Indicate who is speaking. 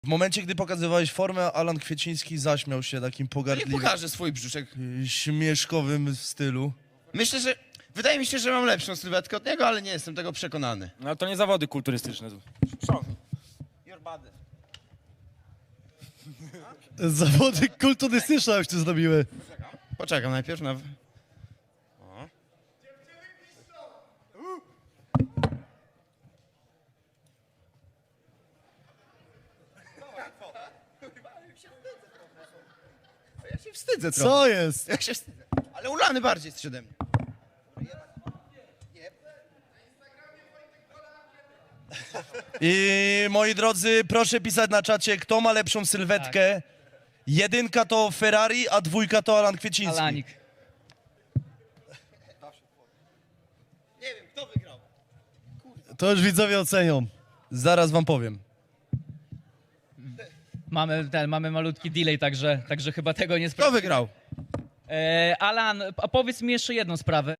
Speaker 1: W momencie, gdy pokazywałeś formę, Alan Kwieciński zaśmiał się takim
Speaker 2: Nie
Speaker 1: pogardliwym,
Speaker 2: pokażę swój brzuszek.
Speaker 1: śmieszkowym stylu.
Speaker 2: Myślę, że... Wydaje mi się, że mam lepszą sylwetkę od niego, ale nie jestem tego przekonany.
Speaker 3: No to nie zawody kulturystyczne.
Speaker 2: Show me. Your body.
Speaker 4: Zawody kulturystyczne już tu zrobiły.
Speaker 2: Poczekam najpierw na... Ja się wstydzę trochę.
Speaker 4: Co jest?
Speaker 2: Ja się wstydzę. Ale ulany bardziej jesteś ode mnie.
Speaker 1: I moi drodzy, proszę pisać na czacie, kto ma lepszą sylwetkę. Jedynka to Ferrari, a dwójka to Alan Kwieciński.
Speaker 5: Alanik.
Speaker 2: Nie wiem, kto wygrał.
Speaker 4: To już widzowie ocenią.
Speaker 1: Zaraz wam powiem.
Speaker 5: Mamy malutki delay, także chyba tego nie
Speaker 2: Kto
Speaker 5: sprawdzimy.
Speaker 2: wygrał?
Speaker 5: Alan, a powiedz mi jeszcze jedną sprawę.